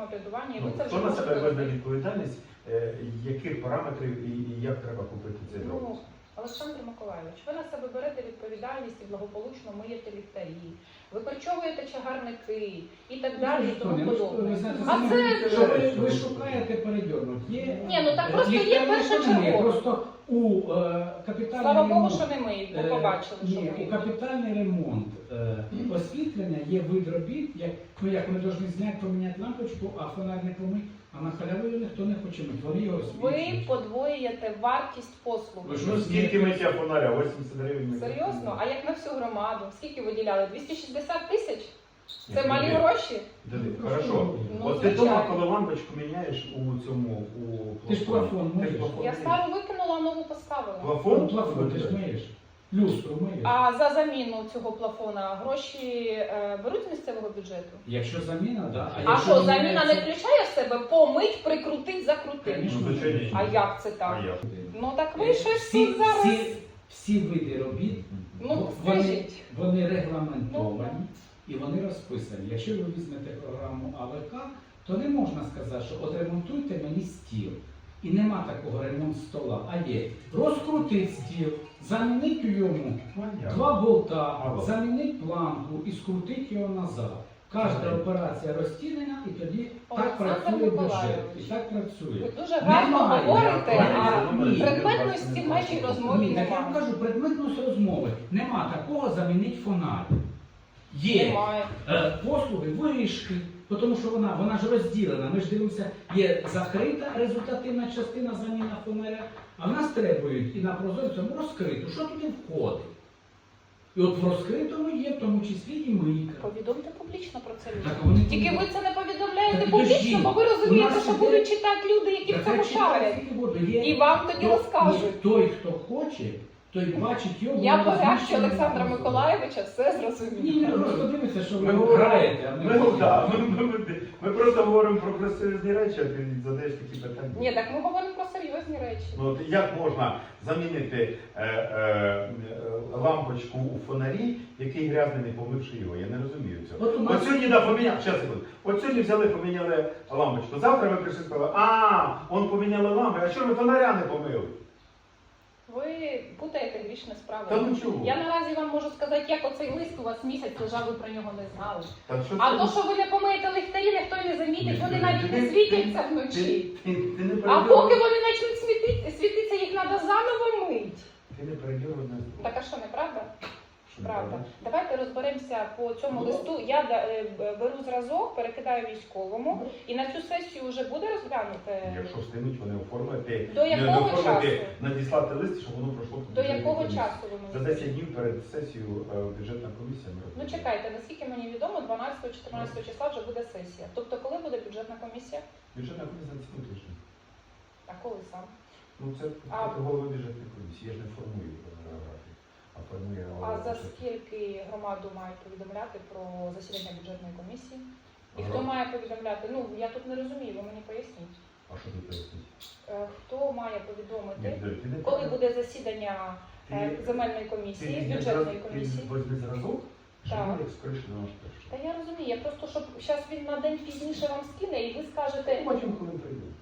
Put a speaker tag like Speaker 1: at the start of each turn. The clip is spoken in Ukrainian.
Speaker 1: самоврядування. І ви це вже
Speaker 2: Хто на себе
Speaker 1: можете
Speaker 2: візьме
Speaker 1: робити.
Speaker 2: відповідальність, яких параметрів і як треба купити цей дрон?
Speaker 1: Ну, Олександр Миколайович, ви на себе берете відповідальність і благополучно миєте ліхтарі, викорчовуєте чагарники і так далі, і тому подобне. А це...
Speaker 3: Що ви шукаєте передьорнути.
Speaker 1: Ні, ну так просто є першочергово.
Speaker 3: Просто у капітальний
Speaker 1: Слава Богу,
Speaker 3: ремонт,
Speaker 1: що не миють, бо побачили, що
Speaker 3: ні, у
Speaker 1: миють.
Speaker 3: капітальний ремонт освітлення є вид робіт, як ми повинні зняти, поміняти лампочку, а фонарь не помить, а на халяву ніхто не хоче мити. Вони його
Speaker 1: Ви
Speaker 3: освітлюють.
Speaker 1: подвоюєте вартість послуги.
Speaker 3: Ви що,
Speaker 2: Ну, скільки миття фонаря? 80 гривень.
Speaker 1: Серйозно? А як на всю громаду? Скільки виділяли? 260 тисяч? Це
Speaker 2: Ні,
Speaker 1: малі
Speaker 2: Диди,
Speaker 1: гроші?
Speaker 2: Диди, хорошо.
Speaker 1: Ну,
Speaker 2: От ти
Speaker 1: звичайно.
Speaker 2: дома, коли лампочку міняєш у цьому, у
Speaker 3: Ти ж плафон
Speaker 2: Ти ж
Speaker 3: миєш.
Speaker 2: плафон
Speaker 1: Я
Speaker 2: миєш.
Speaker 1: стару викинула, а нову поставила.
Speaker 2: Плафон?
Speaker 3: Плафон ти ж миєш. Люстру миєш.
Speaker 1: А за заміну цього плафона гроші беруть з місцевого бюджету?
Speaker 3: Якщо заміна, так. Да.
Speaker 1: А що, заміна не включає в себе помить, прикрутить, закрутить?
Speaker 3: Конечно.
Speaker 2: Ну, звичайно, ні.
Speaker 1: А як це так?
Speaker 2: А як?
Speaker 1: Ну так ви щось тут зараз...
Speaker 3: всі види робіт,
Speaker 1: Ну,
Speaker 3: вони,
Speaker 1: скажіть.
Speaker 3: вони регламентовані і вони розписані. Якщо ви візьмете програму АВК, то не можна сказати, що от ремонтуйте мені стіл. І нема такого ремонт стола. А є розкрутить стіл, замінить у йому
Speaker 2: Понятно.
Speaker 3: 2 болта,
Speaker 2: Ага.
Speaker 3: замінить планку і скрутить його назад. Кожна
Speaker 2: Ага.
Speaker 3: операція розтінена і тоді так
Speaker 1: Олександр
Speaker 3: працює бюджет.
Speaker 1: Миколайович.
Speaker 3: І так працює.
Speaker 1: Ви дуже гарно
Speaker 3: Немає.
Speaker 1: говорите, а
Speaker 2: Ні.
Speaker 1: предметності в вашій розмові
Speaker 3: Ні, так я вам
Speaker 1: немає.
Speaker 3: кажу, предметність розмови. Нема такого замінить фонарь. Є
Speaker 1: Немає.
Speaker 3: послуги вишки, тому що вона ж розділена. Ми ж дивимося, є закрита результативна частина заміна фонаря, а в нас требують і на прозорцю розкриту. Що туди входить? І от в розкритому є, в тому числі і мийка.
Speaker 1: Повідомте публічно про це
Speaker 3: Так,
Speaker 1: людям.
Speaker 3: вони
Speaker 1: Тільки ви це не повідомляєте
Speaker 3: Так,
Speaker 1: публічно,
Speaker 3: підожди.
Speaker 1: бо ви
Speaker 3: У
Speaker 1: розумієте,
Speaker 3: нас
Speaker 1: що
Speaker 3: іде-
Speaker 1: будуть читати люди, які в
Speaker 3: Так,
Speaker 1: цьому
Speaker 3: хай читають,
Speaker 1: шарять.
Speaker 3: скільки буде. Є-
Speaker 1: І вам тоді
Speaker 3: то-
Speaker 1: розкажуть.
Speaker 3: ні, той, хто хоче, той бачить його.
Speaker 1: Я
Speaker 3: воно
Speaker 1: по реакції
Speaker 3: розміщено
Speaker 1: Олександра
Speaker 3: на
Speaker 1: Миколайовича все
Speaker 3: Ні,
Speaker 1: зрозуміла.
Speaker 3: просто дивиться, що ви
Speaker 2: Ми
Speaker 3: граєте, а не
Speaker 2: Ми просто говоримо про красиві речі, а ти задаєш такі питання.
Speaker 1: Ні, так ми говоримо про серйозні речі.
Speaker 2: Ну, от як можна замінити лампочку у фонарі, який грязний, не помивши його? Я не розумію цього.
Speaker 3: От у нас-
Speaker 2: От сьогодні поміняли, щас, секунду. От сьогодні взяли, поміняли лампочку. Завтра ви прийшли і сказали, он поміняли лампи, а чого ви фонаря не помили?
Speaker 1: Ви путаєте грішне справи.
Speaker 2: Та ну чого?
Speaker 1: Я наразі вам можу сказати, як оцей лист у вас місяць лежав, ви про нього не знали.
Speaker 2: Та що
Speaker 1: А
Speaker 2: це?
Speaker 1: то, що ви не помиєте ліхтарі, ніхто й не замітить, вони навіть не світяться вночі.
Speaker 2: Ти не
Speaker 1: А
Speaker 2: передьоргуй.
Speaker 1: поки вони почнуть світитися, їх треба заново мить.
Speaker 2: Ти не передьоргуй нас.
Speaker 1: Так а що, неправда?
Speaker 2: Що
Speaker 1: Правда.
Speaker 2: неправда?
Speaker 1: Давайте розберемося по цьому
Speaker 2: Ну,
Speaker 1: листу. Я беру зразок, перекидаю військовому, і на цю сесію вже буде розглянути.
Speaker 2: Якщо встигнуть, вони оформити.
Speaker 1: До якого часу?
Speaker 2: Надіслати лист, щоб воно пройшло.
Speaker 1: До якого часу ви
Speaker 2: За
Speaker 1: мені?
Speaker 2: 10 днів перед сесією бюджетна комісія. ми
Speaker 1: Ну
Speaker 2: розглядаємо.
Speaker 1: чекайте, наскільки мені відомо, 12-14 числа вже буде сесія. Тобто коли буде бюджетна комісія?
Speaker 2: Бюджетна комісія на цьому тижні.
Speaker 1: А коли сам?
Speaker 2: Ну це голови бюджетної комісії. Я ж не формую графік, а формує
Speaker 1: А
Speaker 2: голова
Speaker 1: за
Speaker 2: бюджетної.
Speaker 1: скільки громаду мають повідомляти про засідання бюджетної комісії? І
Speaker 2: Ага.
Speaker 1: хто має повідомляти? Ну я тут не розумію, ви мені поясніть.
Speaker 2: А що ти поясніть?
Speaker 1: Хто має повідомити,
Speaker 2: Ти не
Speaker 1: коли буде засідання
Speaker 2: Ти-
Speaker 1: земельної комісії, бюджетної комісії?
Speaker 2: Ти возьми зразок, щоб
Speaker 1: Так.
Speaker 2: ми як скоріше на наш перший.
Speaker 1: Та я розумію, я просто, щоб зараз він на день пізніше вам скине і ви скажете,
Speaker 2: Потім, коли прийде.